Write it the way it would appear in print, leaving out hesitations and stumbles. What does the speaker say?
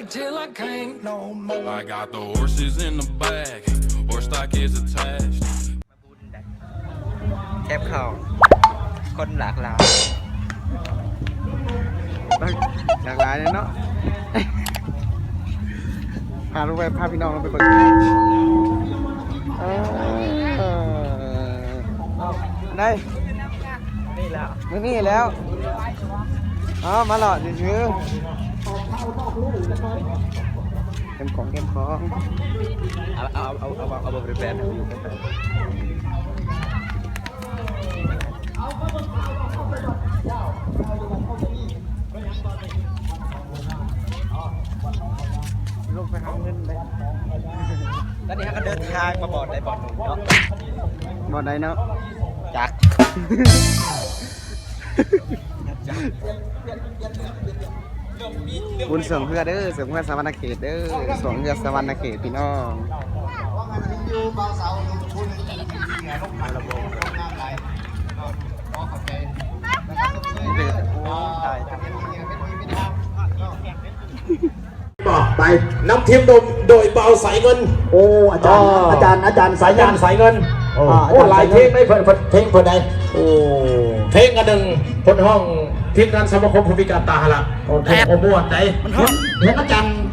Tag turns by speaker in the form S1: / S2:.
S1: till I can't no more.
S2: I got the horses in the bag, horse stock is attached.
S3: แคบเข่าคนหลากหลายหลากหลายเลยเนาะพาลูกไปพาพี่น้องเราไปเปิดได้นี่แล้วนี่แล้วอ๋อมาหล่อชื้อเข้มของเอาบริแบนอยู่ลงไปหาเงินเลยแล้วนี่ฮะก็เดินทางมาบ่อนใดบ่อนหนึ่งเนาะบ่อนใดเนาะจักบุญเสริมเพื่อเด้อเสริมเพื่อสวรรณเขตเด้อสวงเพื่อสวรรณเขตพี่น้อง
S4: บอกไปนำทีมโดยเบาสายเงินโอ้อาจารย์สายเงินโอ้หลายเพลงได้เพลงคนใดโอ้เพลงกันหนึ่งคนห้องทีมงานสมาคมผู้พิการตาหละโอ้โหม่วนใจเห็นอาจารย์